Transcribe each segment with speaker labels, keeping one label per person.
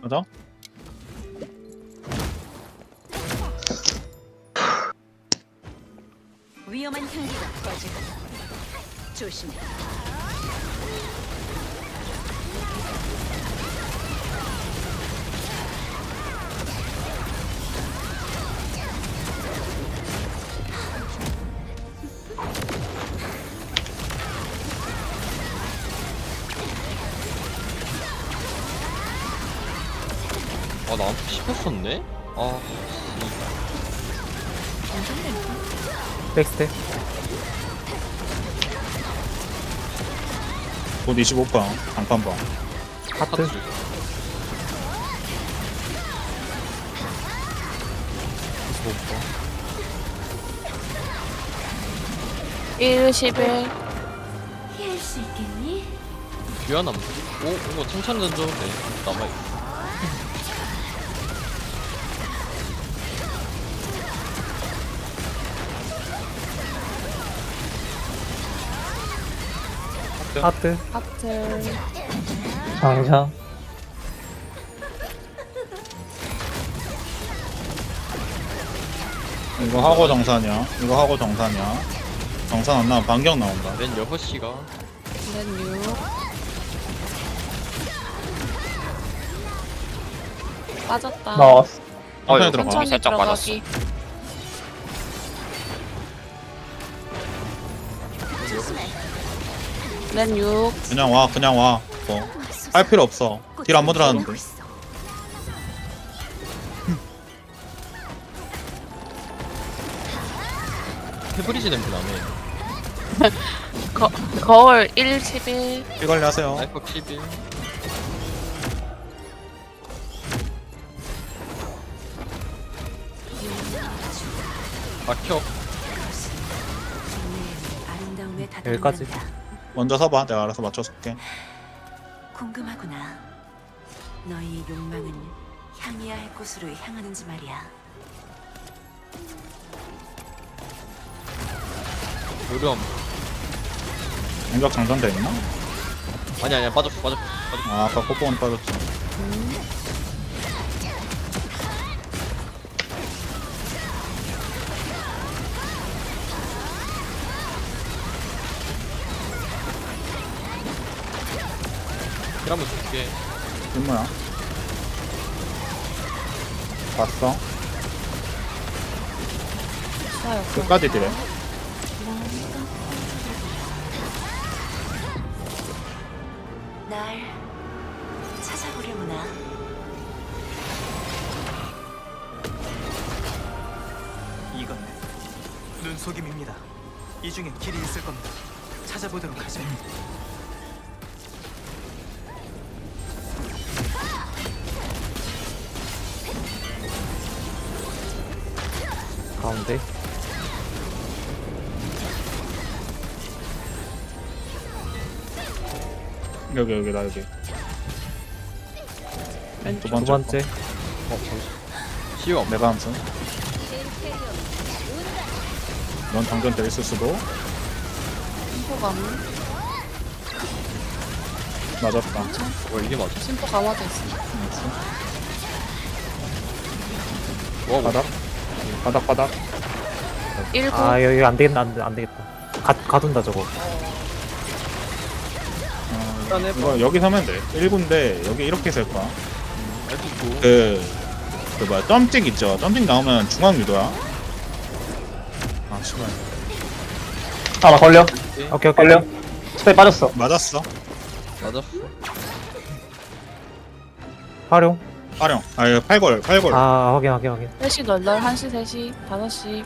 Speaker 1: 맞아?
Speaker 2: 위험한 향기가 퍼지고 조심해.
Speaker 3: 아, 나한테 씹혔었네? 아,
Speaker 4: 백스텝.
Speaker 1: 곧 25번 장판번.
Speaker 4: 하트.
Speaker 3: 하트.
Speaker 5: 1, 11.
Speaker 2: 피할 수 있겠니?
Speaker 3: 귀환함. 오, 이거 칭찬전조? 네, 남아있어.
Speaker 4: 하트.
Speaker 5: 하트.
Speaker 4: 장장.
Speaker 1: 이거 하고 정산이야. 이거 하고 정산이야. 정산 안 나오면 반격 나온다.
Speaker 3: 맨 6시가.
Speaker 5: then 6. 빠졌다.
Speaker 6: 나왔어.
Speaker 1: 천천히 들어가.
Speaker 5: 천천히
Speaker 7: 살짝
Speaker 5: 들어가기. then 6.
Speaker 1: 그냥 와, 그냥 와. 뭐. 할 필요 없어. 딜 안 모드라는데.
Speaker 3: 페브리지 냄새 나네.
Speaker 5: 거울 1, 11.
Speaker 1: 피 관리 하세요.
Speaker 3: 라이프 11. 막혀.
Speaker 2: 아름다움에
Speaker 4: 여기까지.
Speaker 2: 다다른다.
Speaker 1: 먼저 서봐. 내가 알아서 맞춰줄게.
Speaker 2: 궁금하구나. 너희 욕망은 향해야 할 곳으로 향하는지 말이야.
Speaker 3: 요령.
Speaker 1: 공격 장전돼 있나?
Speaker 3: 아니야, 빠졌어.
Speaker 1: 아, 아까 코뽕은 빠졌지.
Speaker 3: 길 한번 줄게.
Speaker 1: 뒷모야. 봤어?
Speaker 5: 싸요.
Speaker 1: 끝까지 딜해.
Speaker 2: 날 찾아보려구나.
Speaker 8: 이건 눈속임입니다. 이 중에 길이 있을 겁니다. 찾아보도록 하죠.
Speaker 4: 가운데.
Speaker 1: 여기, 나 여기. 두
Speaker 4: 두
Speaker 1: 번째.
Speaker 4: 번째.
Speaker 3: 시험.
Speaker 1: 거. 내가 함수. 넌 장전돼 있을 수도.
Speaker 5: 심포감.
Speaker 1: 맞았다.
Speaker 3: 이게 맞아.
Speaker 5: 심포 감아져 있어.
Speaker 3: 와,
Speaker 1: 바닥. 바닥.
Speaker 5: 1, 9.
Speaker 4: 아 여기 안 되겠다. 안 되겠다. 가둔다 저거.
Speaker 1: 이거 여기 서면 돼. 1군데 여기 이렇게 설 거야.
Speaker 3: 알겠고.
Speaker 1: 그 뭐야, 점찍 있죠? 점찍 나오면 중앙 유도야. 아, 씨발.
Speaker 6: 아, 나 걸려.
Speaker 4: 오케이.
Speaker 6: 걸려. 스페 빠졌어.
Speaker 1: 맞았어.
Speaker 3: 맞았어.
Speaker 4: 활용.
Speaker 1: 활용. 아, 이거 팔골.
Speaker 4: 아 확인.
Speaker 5: 3시 널널, 1시, 3시, 5시.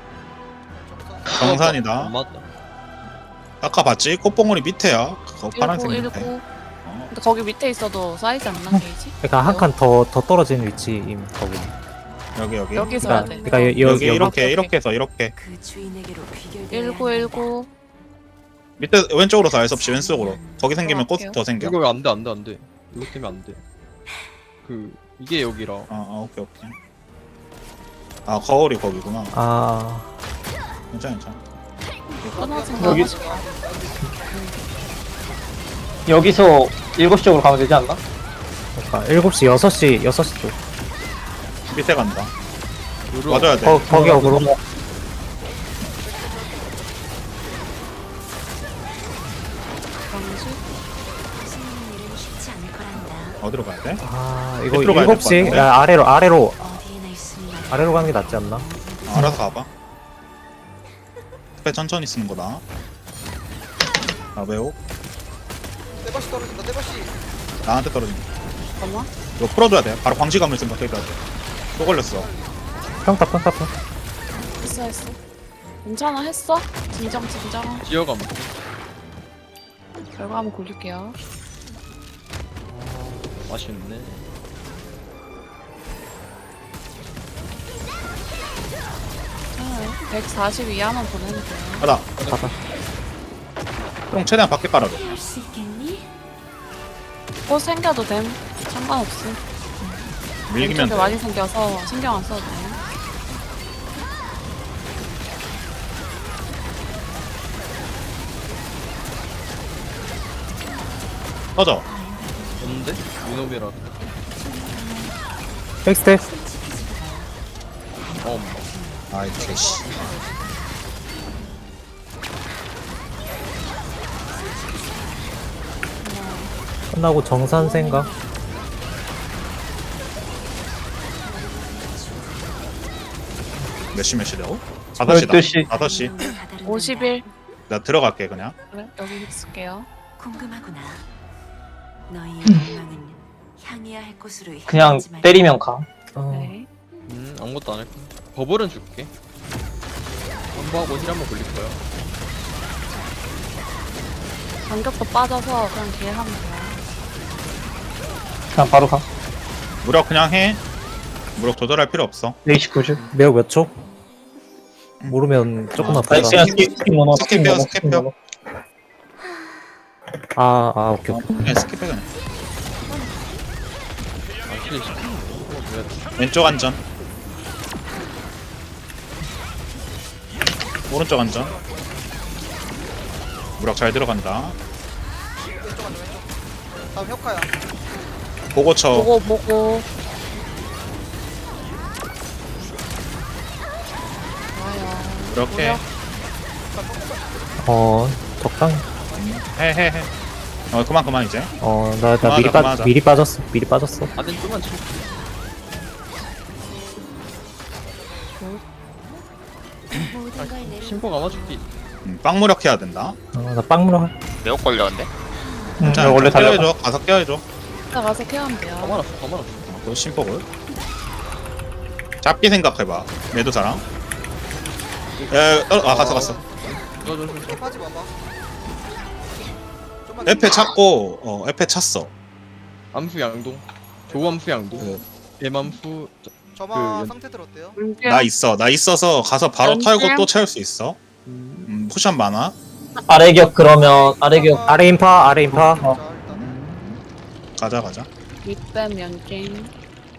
Speaker 1: 정산이다.
Speaker 3: 안 맞다.
Speaker 1: 아까 봤지? 꽃봉오리 밑에야. 그거
Speaker 5: 19,
Speaker 1: 파란색
Speaker 5: 19.
Speaker 1: 밑에.
Speaker 5: 근데 거기 밑에 있어도 사이즈 안 나, 게이지?
Speaker 4: 그러니까 한 칸 더 떨어지는 위치임 거기.
Speaker 1: 여기.
Speaker 5: 여기서 해야 돼.
Speaker 4: 그러니까
Speaker 1: 여기
Speaker 4: 여기
Speaker 1: 이렇게 해서 이렇게.
Speaker 2: 그 주인에게로 귀결되어야
Speaker 5: 1919.
Speaker 1: 밑에 왼쪽으로 서 알섭시 왼쪽으로. 거기 생기면 꽃
Speaker 5: 들어갈게요.
Speaker 1: 더 생겨.
Speaker 3: 이거 안 돼. 이거 때문에 안 돼. 이게 여기라.
Speaker 1: 오케이. 아, 거울이 거기구나.
Speaker 4: 아
Speaker 1: 괜찮아.
Speaker 5: 끊어진
Speaker 6: 여기-
Speaker 5: 거.
Speaker 6: 여기서 7시 쪽으로 가면 되지 않나?
Speaker 4: 그러니까 7시 6시 쪽
Speaker 1: 밑에 간다.
Speaker 3: 루루
Speaker 1: 맞아야 돼.
Speaker 4: 거기 어그로
Speaker 5: 방식.
Speaker 2: 숨는 일은 쉽지 않을 거란다.
Speaker 1: 어디로 가야 돼?
Speaker 4: 아 이거
Speaker 1: 밑으로 가야 될것
Speaker 4: 7시
Speaker 1: 같은데?
Speaker 4: 야, 아래로
Speaker 2: 어디에나 있으면
Speaker 4: 아래로 가는 게 낫지 않나?
Speaker 1: 알아서 가봐. 스페 천천히 쓰는 거다. 아 매우
Speaker 7: 떼바시 떨어진다 떼바시.
Speaker 1: 나한테 떨어진다.
Speaker 5: 잠깐만.
Speaker 1: 이거 풀어줘야 돼. 바로 광시감을 생각해야 돼. 또 걸렸어.
Speaker 4: 평타
Speaker 5: 했어. 괜찮아, 했어? 진정.
Speaker 3: 지어감
Speaker 5: 결과 한번 골릴게요.
Speaker 3: 맛있네.
Speaker 5: 자, 140 이하만 보내면 돼요.
Speaker 1: 가다.
Speaker 4: 가다
Speaker 1: 형 최대한 밖에 깔아줘.
Speaker 2: 할 수 있겠니?
Speaker 5: 꽃 생겨도 됨. 상관없음.
Speaker 1: 밀기면
Speaker 5: 왼쪽에
Speaker 1: 돼.
Speaker 5: 많이 생겨서 신경 안 써도 돼.
Speaker 1: 터져.
Speaker 3: 없는데? 유노비라.
Speaker 4: 백스텝
Speaker 1: 아이 개씨.
Speaker 4: 끝나고 정산 생각
Speaker 1: 몇 시라고? 5시다.
Speaker 6: 12시.
Speaker 1: 5시.
Speaker 5: 51.
Speaker 1: 나 들어갈게 그냥.
Speaker 5: 그래, 여기 있을게요.
Speaker 2: 궁금하구나. 너희 욕망은 향해야 할 곳으로
Speaker 6: 그냥
Speaker 2: 향하지 말고.
Speaker 6: 때리면 가.
Speaker 5: 네.
Speaker 3: 아무것도 안 할 거야. 버블은 줄게. 한번하고 힐 한번 굴릴 거야.
Speaker 5: 간격도 빠져서 그냥 딜 하면 돼요.
Speaker 6: 그냥 바로 가.
Speaker 1: 무력 그냥 해. 무력 조절할 필요 없어.
Speaker 6: 29줄.
Speaker 4: 매우 몇 초? 모르면 조금만
Speaker 6: 아니
Speaker 4: 보자
Speaker 6: 그냥 스킵 넣어.
Speaker 1: 스킵해요.
Speaker 4: 오케이
Speaker 1: 그냥 스킵해 그냥.
Speaker 3: 아, 힐 시키는 거 줘야 돼.
Speaker 1: 왼쪽 안전. 오른쪽 안전. 무력 잘 들어간다.
Speaker 7: 왼쪽 앉아 왼쪽. 다음 혁카야.
Speaker 1: 보고 쳐.
Speaker 5: 보고. 좋아요.
Speaker 1: 이렇게
Speaker 4: 적당히
Speaker 1: 해. 그만 이제.
Speaker 4: 나
Speaker 1: 그만하자.
Speaker 4: 미리 빠졌어
Speaker 3: 아덴 좀만 쳐.
Speaker 2: 모든 걸 내려.
Speaker 3: 심포 감아줄게.
Speaker 1: 빵 무력 해야 된다.
Speaker 4: 나 빵무러
Speaker 9: 매혹 걸렸는데?
Speaker 1: 자,
Speaker 6: 원래 달려.
Speaker 1: 깨워줘. 가서 깨워줘.
Speaker 5: 이따 가서 케어하면 돼요.
Speaker 3: 가만없어.
Speaker 1: 그 심폭을. 잡기 생각해봐. 매도사랑. 갔어.
Speaker 3: 저.
Speaker 7: 스킵하지 마봐. 좀만
Speaker 1: 에페 찾고 에페 찼어.
Speaker 3: 암수 양동. 조암수 양동. 대맘수.
Speaker 7: 점화
Speaker 3: 그
Speaker 7: 상태들 어때요?
Speaker 1: 나 있어서 가서 바로
Speaker 5: 연습?
Speaker 1: 털고 또 채울 수 있어. 포션 많아.
Speaker 6: 아래격 그러면 아래격.
Speaker 4: 아래 인파
Speaker 7: 자 일단
Speaker 1: 가자.
Speaker 5: 윗뱀 연갱.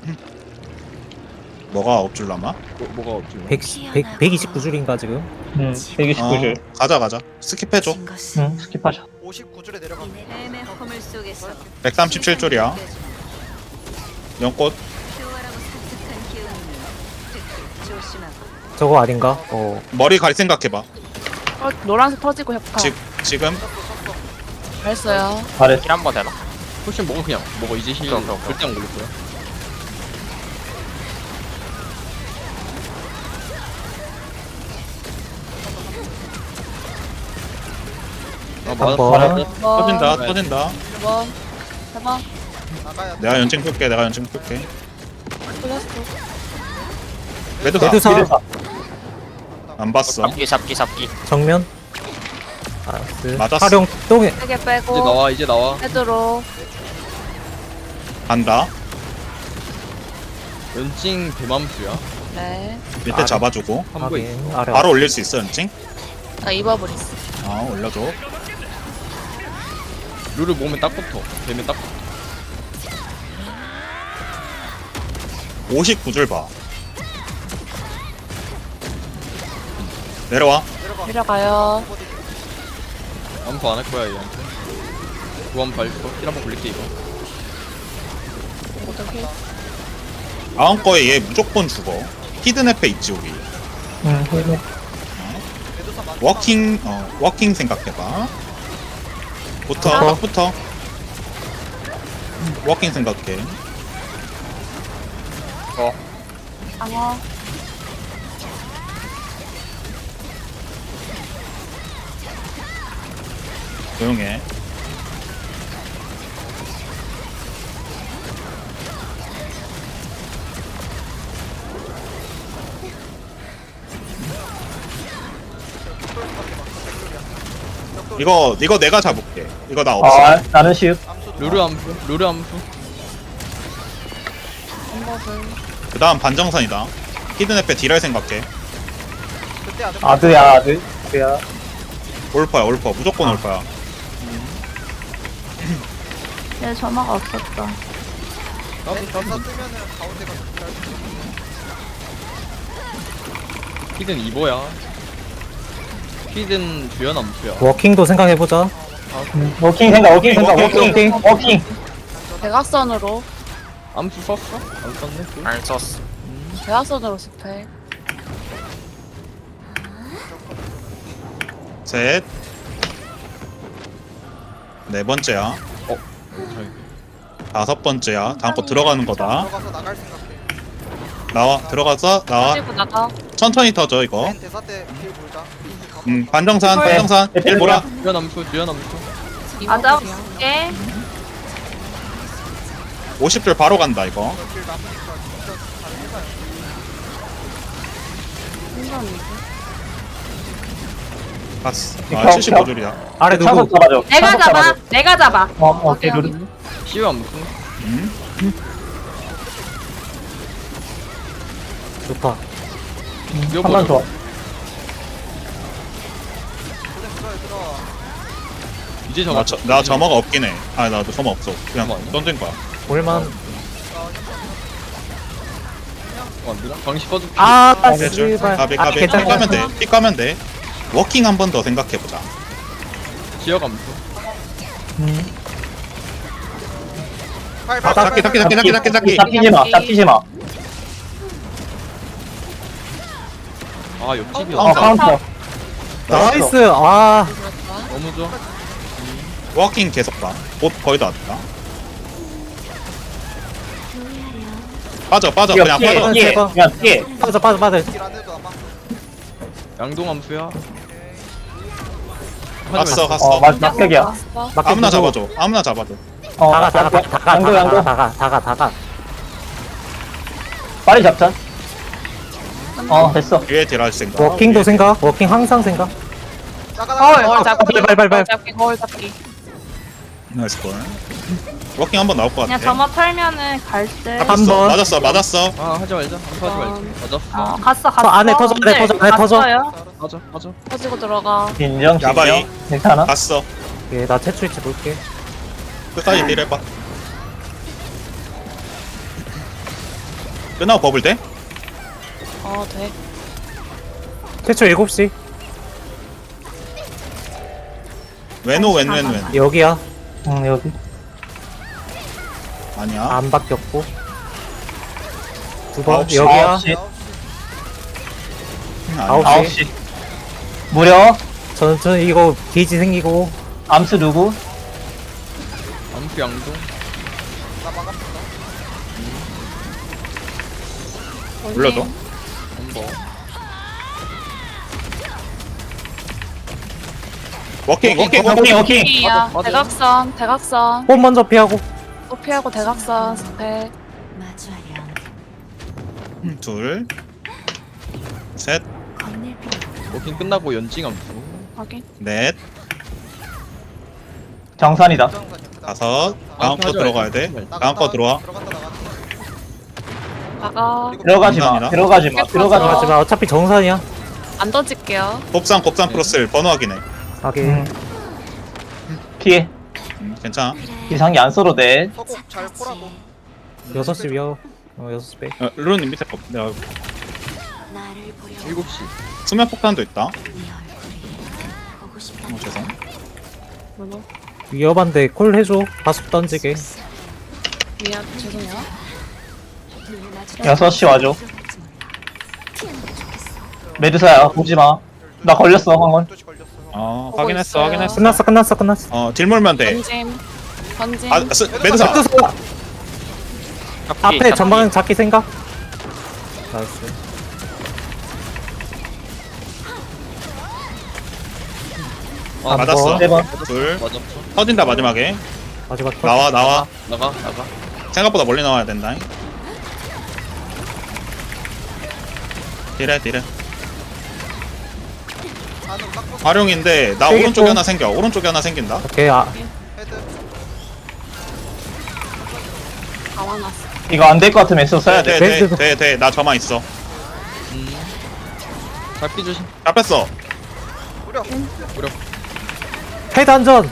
Speaker 1: 뭐가 업줄 남아?
Speaker 3: 뭐가 없지?
Speaker 4: 129줄인가 지금?
Speaker 6: 129줄.
Speaker 1: 가자. 스킵해줘.
Speaker 2: 진 것은
Speaker 6: 스킵하자.
Speaker 7: 59줄에 내려가.
Speaker 2: 뱀의 허물 속에서
Speaker 1: 137줄이야. 연꽃.
Speaker 2: 교활하고 산뜻한 기운은 특히 조심하고.
Speaker 4: 저거 아닌가?
Speaker 1: 머리 갈 생각해봐.
Speaker 5: 노란색 터지고 협카.
Speaker 1: 지금
Speaker 5: 잘했어요.
Speaker 6: 잘했어.
Speaker 9: 힐 한 번 되나?
Speaker 3: 포션 먹어 그냥. 먹어 이제 힐
Speaker 9: 오케이.
Speaker 3: 절대 안 걸릴 거야. 아 맞아.
Speaker 4: 한번.
Speaker 1: 터진다.
Speaker 3: 네.
Speaker 1: 터진다.
Speaker 5: 1번. 4번.
Speaker 7: 나가야 돼.
Speaker 1: 내가 연증 풀게.
Speaker 5: 풀렸어.
Speaker 1: 매도사.
Speaker 4: 메두사
Speaker 1: 안 봤어.
Speaker 9: 잡기.
Speaker 4: 정면 알았어
Speaker 1: 맞았어.
Speaker 4: 활용 똥에
Speaker 5: 세개
Speaker 3: 이제
Speaker 5: 빼고.
Speaker 3: 나와 이제 나와.
Speaker 5: 헤드로.
Speaker 1: 간다.
Speaker 3: 연징 대맘수야.
Speaker 5: 네.
Speaker 1: 밑에
Speaker 4: 아래.
Speaker 1: 잡아주고.
Speaker 3: 한부에
Speaker 4: 확인 아래
Speaker 1: 바로 올릴 수 있어 연증?
Speaker 5: 나 입어버렸어.
Speaker 1: 올려줘.
Speaker 3: 룰을 먹으면 딱 붙어. 되면 딱 붙어.
Speaker 1: 59줄 봐. 내려와.
Speaker 5: 내려가요.
Speaker 3: 암수 안 할 거야 얘한테. 구함 발표. 힐 한번 굴릴게 이거.
Speaker 5: 여기.
Speaker 1: 다음 거에 얘 무조건 죽어. 히든 에페 있지 우리.
Speaker 6: 힐.
Speaker 7: 매도사 많다.
Speaker 1: 워킹 생각해봐. 딱 붙어. 워킹 생각해.
Speaker 5: 방어.
Speaker 1: 조용해. 이거 내가 잡을게. 이거 나 없어.
Speaker 6: 아, 나는 시읒.
Speaker 7: 암수
Speaker 3: 루루 암수. 루루 암수.
Speaker 5: 방법을.
Speaker 1: 그 다음 반정산이다. 히든 에페 딜할 생각해.
Speaker 7: 그때
Speaker 6: 아드야, 아드. 아드야.
Speaker 1: 올퍼야 올퍼. 무조건 올퍼야.
Speaker 5: 내 전화가 없었다.
Speaker 7: 대사 뜨면은 가운데가 잘
Speaker 3: 히든 2보야. 히든 주연 암수야.
Speaker 4: 워킹도 생각해보자.
Speaker 6: 워킹 생각, 워킹.
Speaker 5: 대각선으로.
Speaker 3: 암수 썼어? 안 썼네? 또?
Speaker 9: 안 썼어.
Speaker 5: 대각선으로 스펙.
Speaker 1: 셋. 네 번째야.
Speaker 3: 저기.
Speaker 1: 다섯 번째야. 다음 거 들어가는 거다.
Speaker 7: 들어가서 나갈 생각해.
Speaker 1: 나와. 들어가서 나와.
Speaker 5: 가지고 나가.
Speaker 1: 천천히 터져 이거.
Speaker 7: 맨 대사 때길 몰자.
Speaker 1: 반정산. 일 몰아.
Speaker 3: 주연 암수. 주연 암수.
Speaker 5: 아자 볼게.
Speaker 1: 50줄 바로 간다 이거.
Speaker 7: 길 남으니까 진짜 잘 해봐요.
Speaker 1: 봤어.
Speaker 6: 펴,
Speaker 1: 아 75줄이야.
Speaker 4: 아래 누구?
Speaker 6: 차석 잡아줘.
Speaker 5: 내가
Speaker 6: 차석
Speaker 5: 잡아.
Speaker 6: 잡아줘.
Speaker 5: 내가 잡아.
Speaker 6: 오케이, 루루.
Speaker 3: 시우 암수.
Speaker 4: 좋다.
Speaker 6: 한번 좋아.
Speaker 7: 고생 들어 얘들아.
Speaker 3: 이제 정말
Speaker 1: 나 점화가 없긴 해. 아 나도 점화 없어. 그냥
Speaker 3: 잠깐만요.
Speaker 1: 던진 거야.
Speaker 4: 볼만.
Speaker 3: 안 되나? 방시 꺼줄게.
Speaker 4: 아,
Speaker 1: 해줄.
Speaker 4: 씨발.
Speaker 1: 가비
Speaker 4: 아,
Speaker 1: 가비. 피
Speaker 4: 괜찮아.
Speaker 1: 까면 돼. 피 까면 돼. 워킹 한 번 더 생각해보자.
Speaker 3: 지역 암수.
Speaker 1: 아, 잡기.
Speaker 6: 잡히지 마.
Speaker 3: 아 옆집이야.
Speaker 6: 카운터.
Speaker 4: 나이스. 아,
Speaker 3: 너무 좋아.
Speaker 1: 워킹 계속 가. 곧 거의 다 왔다. 빠져. 그냥 빠져.
Speaker 6: 피해. 그냥 피해.
Speaker 4: 빠져.
Speaker 7: 딜안 해도 아마.
Speaker 3: 양동 암수야.
Speaker 1: 갔어.
Speaker 6: 막격이야.
Speaker 5: 왔어.
Speaker 1: 아무나 잡아줘.
Speaker 4: 다가.
Speaker 6: 빨리 잡자. 됐어.
Speaker 1: 뒤에 딜할 생각.
Speaker 4: 워킹도 생각. 워킹 항상 생각.
Speaker 5: 거울 잡기.
Speaker 4: 발.
Speaker 5: 거울 잡기.
Speaker 1: 나이스 볼. 워킹 한 번 나올 것 같아.
Speaker 5: 그냥 점화 털면은 갈 때.
Speaker 4: 한 번.
Speaker 1: 맞았어.
Speaker 3: 아 하지 말자. 암수 하지 말자. 맞았어.
Speaker 5: 갔어.
Speaker 4: 안에 터져.
Speaker 5: 갔어요.
Speaker 3: 맞아.
Speaker 5: 터지고 들어가.
Speaker 6: 인정.
Speaker 1: 야바이.
Speaker 6: 괜찮아?
Speaker 1: 갔어.
Speaker 4: 예, 나 채출치 볼게.
Speaker 1: 끝까지 딜 해봐. 끝나고 버블 돼?
Speaker 5: 돼.
Speaker 4: 채출 7시.
Speaker 1: 웬.
Speaker 4: 여기야.
Speaker 6: 여기.
Speaker 1: 아니야.
Speaker 4: 안 바뀌었고. 두 번.
Speaker 1: 9시.
Speaker 4: 여기야.
Speaker 6: 9시.
Speaker 1: 아니야.
Speaker 6: 9시. 무려.
Speaker 4: 저는 이거 게이지 생기고.
Speaker 6: 암수 누구?
Speaker 3: 암수 양동.
Speaker 7: 나 막았습니다.
Speaker 1: 불러줘.
Speaker 3: 한번.
Speaker 1: 워킹.
Speaker 5: 이야. 대각선.
Speaker 4: 홈 먼저 피하고.
Speaker 5: 또 피하고 대각선 스펙.
Speaker 2: 마주하렴.
Speaker 1: 둘. 셋.
Speaker 2: 건넬 필요.
Speaker 3: 워킹 끝나고 연징 암수.
Speaker 5: 확인.
Speaker 1: 넷.
Speaker 6: 정산이다.
Speaker 1: 다섯. 다음 거 들어가야 돼. 다음 거 들어와.
Speaker 7: 들어갔다 나갔다.
Speaker 5: 나가.
Speaker 6: 들어가지 마.
Speaker 1: 정산이다.
Speaker 6: 들어가지 마. 들어가지 마.
Speaker 4: 하지만 어차피 정산이야.
Speaker 5: 안 던질게요.
Speaker 1: 곱상 플러스 번호 확인해.
Speaker 4: 하긴.
Speaker 6: 피해.
Speaker 1: 괜찮아.
Speaker 6: 이상이 안 써도 돼.
Speaker 7: 서곡 잘 포라고.
Speaker 4: 6시 위어. 6시 빼.
Speaker 1: 르르님 밑에 거. 내가
Speaker 2: 나를 보려.
Speaker 3: 7시.
Speaker 1: 수면 폭탄도 있다.
Speaker 2: 네 얼굴이 보고 싶다.
Speaker 1: 죄송.
Speaker 5: 뭐뭐?
Speaker 4: 위험한데 콜 해줘. 바속 던지게.
Speaker 5: 미안. 죄송해요.
Speaker 6: 6시 와줘. 메드사야 보지마. 나 걸렸어 황혼.
Speaker 7: 12시 걸렸어.
Speaker 1: 어
Speaker 5: 보고
Speaker 1: 확인했어
Speaker 5: 있어요.
Speaker 1: 확인했어.
Speaker 4: 끝났어.
Speaker 1: 딜 몰면 돼.
Speaker 5: 던짐. 던짐.
Speaker 1: 아 메드사.
Speaker 4: 앞에 전방 잡기 생각. 나이스.
Speaker 3: 아,
Speaker 1: 맞았어.
Speaker 6: 4번.
Speaker 1: 둘.
Speaker 3: 맞았어.
Speaker 1: 터진다 마지막에.
Speaker 4: 마지막 컷.
Speaker 1: 나와.
Speaker 3: 나가.
Speaker 1: 생각보다 멀리 나와야 된다. 딜해.
Speaker 7: 안으로 딱 벗어.
Speaker 1: 활용인데 나
Speaker 4: 세게
Speaker 1: 오른쪽에
Speaker 4: 좀.
Speaker 1: 하나 생겨. 오른쪽에 하나 생긴다.
Speaker 4: 오케이. 아,
Speaker 7: 헤드.
Speaker 5: 다 와놨어.
Speaker 6: 이거 안 될 것 같으면 애써 써야 돼.
Speaker 1: 돼. 나 저만 있어.
Speaker 3: 잡기 조심.
Speaker 1: 잡혔어.
Speaker 7: 무려.
Speaker 4: 헤드 안전.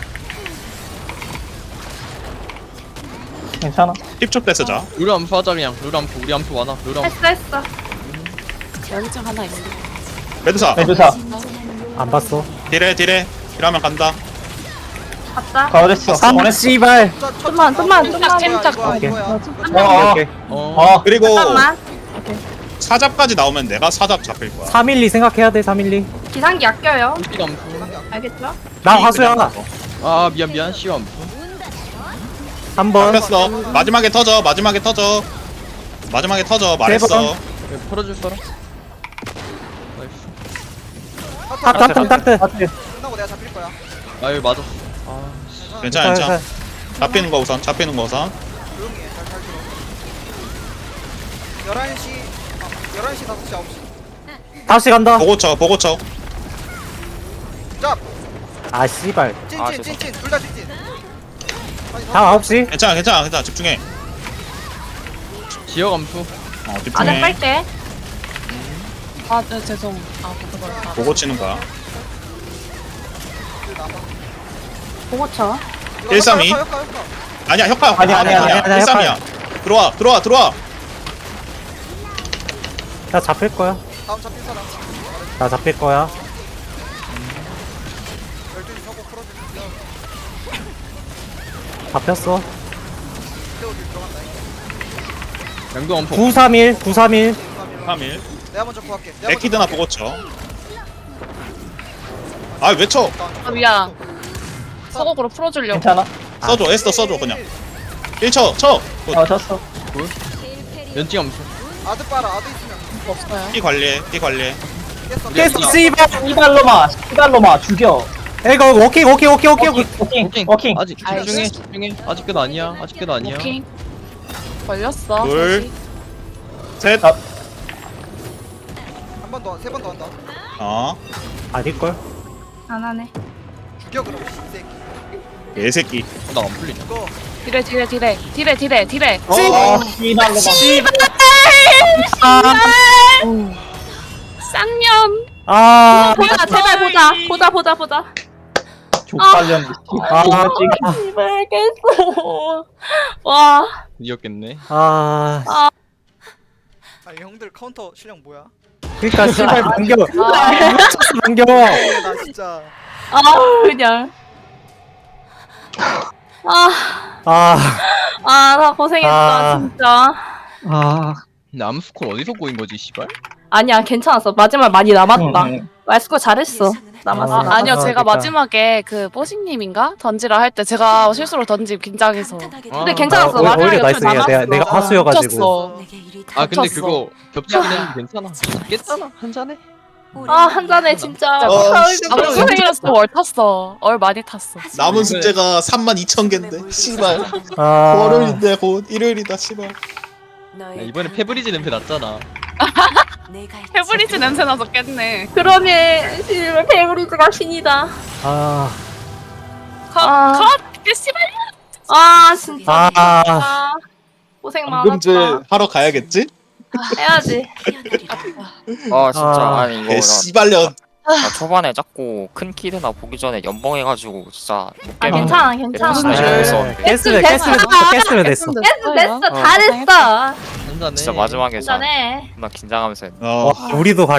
Speaker 6: 괜찮아.
Speaker 1: 10초 때 쓰자.
Speaker 3: 룰 암프 하자 그냥. 우리 암프 많아. 룰 암프.
Speaker 5: 했어. 연증 하나 있어.
Speaker 1: 메드사.
Speaker 6: 메드사
Speaker 4: 안 봤어.
Speaker 1: 딜해. 딜하면 간다.
Speaker 5: 갔다.
Speaker 6: 가오됐어.
Speaker 4: 아, 씨발.
Speaker 5: 좀만. 침착.
Speaker 4: 오케이.
Speaker 6: 어.
Speaker 4: 오케이.
Speaker 6: 어.
Speaker 1: 그리고 사잡까지 나오면 내가 사잡 잡힐 거야.
Speaker 4: 312 생각해야 돼. 312.
Speaker 5: 기상기 아껴요.
Speaker 3: 룰 암프.
Speaker 5: 알겠죠?
Speaker 4: 나 화수야.
Speaker 3: 아 미안. 시오 암프.
Speaker 4: 한 번.
Speaker 1: 잡혔어. 마지막에 터져. 말했어.
Speaker 3: 네, 풀어줄 사람? 나이스.
Speaker 4: 딱트.
Speaker 7: 끝나고 내가 잡힐 거야.
Speaker 3: 아 여기 맞았어.
Speaker 1: 괜찮아. 잡히는 거 우선.
Speaker 7: 조용히 해. 잘 들어. 11시 5시 9시.
Speaker 4: 다시 간다.
Speaker 1: 보고 쳐.
Speaker 7: 짭.
Speaker 4: 아, 씨발.
Speaker 7: 찐. 둘 다 찐.
Speaker 4: 다음 9시.
Speaker 1: 괜찮아. 집중해.
Speaker 3: 지역 암프.
Speaker 1: 집중해.
Speaker 5: 빨대. 아, 네, 죄송.
Speaker 1: 보고 치는 거야.
Speaker 5: 보고 쳐.
Speaker 1: 132. 아니야, 혁파.
Speaker 6: 아니야.
Speaker 1: 132야. 들어와.
Speaker 4: 나 잡힐 거야.
Speaker 7: 다음 잡힐 사람.
Speaker 4: 나 잡힐 거야.
Speaker 7: 12시 서고 풀어주세요.
Speaker 4: 잡혔어.
Speaker 7: 태워줄 들어간다.
Speaker 3: 양도 암프.
Speaker 4: 931.
Speaker 1: 3일.
Speaker 7: 내가 먼저 구할게.
Speaker 1: 에키드나 보고 쳐. 아, 왜 쳐?
Speaker 5: 아, 미안. 서곡으로 풀어주려고.
Speaker 6: 괜찮아.
Speaker 1: 에스더 써줘, 그냥. 1쳐, 쳐!
Speaker 6: 어 쳤어.
Speaker 3: 연지 암프.
Speaker 7: 아드 빨아. 아드 있으면.
Speaker 5: 없어요.
Speaker 1: 피 관리해.
Speaker 7: 깼어.
Speaker 4: 계속 씨발.
Speaker 6: 시발로마 죽여.
Speaker 4: 이거 워킹.
Speaker 6: 워킹.
Speaker 3: 아직 집중해. 아직 끝 아니야.
Speaker 5: 오케이. 걸렸어.
Speaker 1: 둘. 셋.
Speaker 6: 아.
Speaker 7: 한 번 더. 세 번 더 한다.
Speaker 4: 아닐걸?
Speaker 5: 안 하네.
Speaker 7: 죽여 그럼. 이 새끼.
Speaker 1: 개새끼.
Speaker 3: 나 안 풀리냐.
Speaker 7: 죽어.
Speaker 5: 딜에.
Speaker 6: 시발로마.
Speaker 5: 쌍년.
Speaker 4: 아.
Speaker 5: 보자, 제발 보자.
Speaker 6: 족발년.
Speaker 5: 제발 깼어. 와.
Speaker 3: 이겼겠네.
Speaker 7: 아니 형들 카운터 실력 뭐야?
Speaker 4: 그니까 씨발 반겨. 반겨.
Speaker 7: 나 진짜.
Speaker 5: 그냥. 나 고생했다,
Speaker 4: 아.
Speaker 5: 진짜.
Speaker 3: 근데 암스콜 어디서 꼬인 거지 씨발?
Speaker 5: 아니야, 괜찮았어. 마지막 많이 남았다. 말스코 잘했어.
Speaker 4: 남았어.
Speaker 5: 아니요,
Speaker 4: 남았어.
Speaker 5: 제가
Speaker 4: 됐다.
Speaker 5: 마지막에 그 뽀식님인가 던지라 할 때 제가 실수로 던지 긴장해서. 근데
Speaker 3: 아,
Speaker 5: 괜찮았어.
Speaker 4: 오히려
Speaker 5: 마지막에
Speaker 4: 나이스야.
Speaker 5: 남았어.
Speaker 4: 내가 화수여가지고.
Speaker 5: 쳤어.
Speaker 3: 아 근데
Speaker 5: 겹쳤어.
Speaker 3: 그거 겹치긴 했는데 괜찮아. 깼잖아 한 잔에.
Speaker 5: 한 잔에 진짜. 아무튼 고생했어. 얼 탔어. 얼 많이 탔어.
Speaker 1: 남은 숙제가 32,000개인데. 씨발.
Speaker 4: 아.
Speaker 1: 월요일인데 곧 일요일이다, 씨발.
Speaker 3: 야, 이번에 페브리즈 냄새 났잖아.
Speaker 5: 페브리즈 냄새 나서 깼네. 그러네. 씨발 페브리즈가 신이다.
Speaker 4: 아.
Speaker 5: 컷. 씨발. 진짜. 고생 많았다.
Speaker 1: 하러 가야겠지?
Speaker 5: 해야지.
Speaker 9: 진짜 아니 이거
Speaker 1: 개 씨발년.
Speaker 9: 나 초반에 자꾸 큰 키드나 보기 전에 연봉해가지고 진짜 못 깨면
Speaker 5: 괜찮아.
Speaker 4: 깼으면 됐어.
Speaker 5: 됐어. 잘했어.
Speaker 3: 한 잔에.
Speaker 9: 진짜 마지막에 진짜
Speaker 5: 괜찮네.
Speaker 9: 나 긴장하면서
Speaker 1: 어.
Speaker 4: 우리도